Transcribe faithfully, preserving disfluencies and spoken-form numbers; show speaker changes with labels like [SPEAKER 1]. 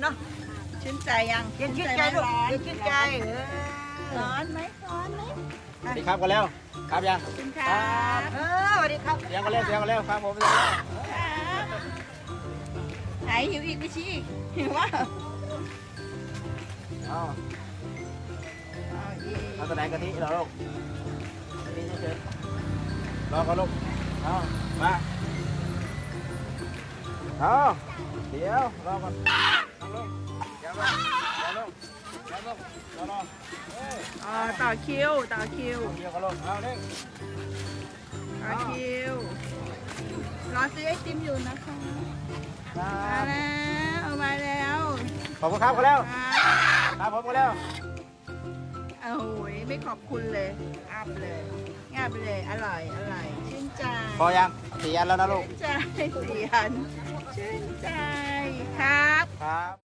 [SPEAKER 1] เนาะ
[SPEAKER 2] ชื่นใจยัง
[SPEAKER 1] เย็นชื่นใจลูก
[SPEAKER 2] ร้อน
[SPEAKER 1] เย็นชื่นใจเออ
[SPEAKER 2] ร้อนไหมร้อนไหม
[SPEAKER 3] สวัสดีครับกันแล้วครับยัง
[SPEAKER 2] ขอบคุณครับ
[SPEAKER 1] เออสวัสดีครับ
[SPEAKER 3] เสียงกันแล้วเสียงกันแล้วครับผมเสียงกันแล้ว
[SPEAKER 2] ครับไหนหิวอีกไม่ชี้หิวว่า
[SPEAKER 3] เอา
[SPEAKER 2] เอาอีก
[SPEAKER 3] เอาตัวไหนกะทิเหรอลูกกะทิเฉยๆรอเขาลูกเอามาเอาเดี๋ยวรอก่อนนั่งลงเดี๋ยวลงเดี๋ยวลงเดี๋ยวลงรอรอเอ้ย
[SPEAKER 2] อ๋อต่อคิวต่อคิว
[SPEAKER 3] เอาเดี๋ยวเขาลงเอาเร่ง
[SPEAKER 2] ต่อคิวรอซื้อไอติมอยู่นะคะ
[SPEAKER 3] ครั
[SPEAKER 2] มา
[SPEAKER 3] บ
[SPEAKER 2] แล้วเอามาแล้ว
[SPEAKER 3] ขอบคุณครับกันแล้ว
[SPEAKER 2] ครับ
[SPEAKER 3] ครับผมกันแล้ว
[SPEAKER 2] โอ้ยไม่ขอบคุณเลยอับเลยงับเลยอร่อยอร่อยชื่นใจ
[SPEAKER 3] พอยังสี่อันแล้วนะลูก
[SPEAKER 2] ชื่นใจเสียนชื่นใจครับ
[SPEAKER 3] ครับ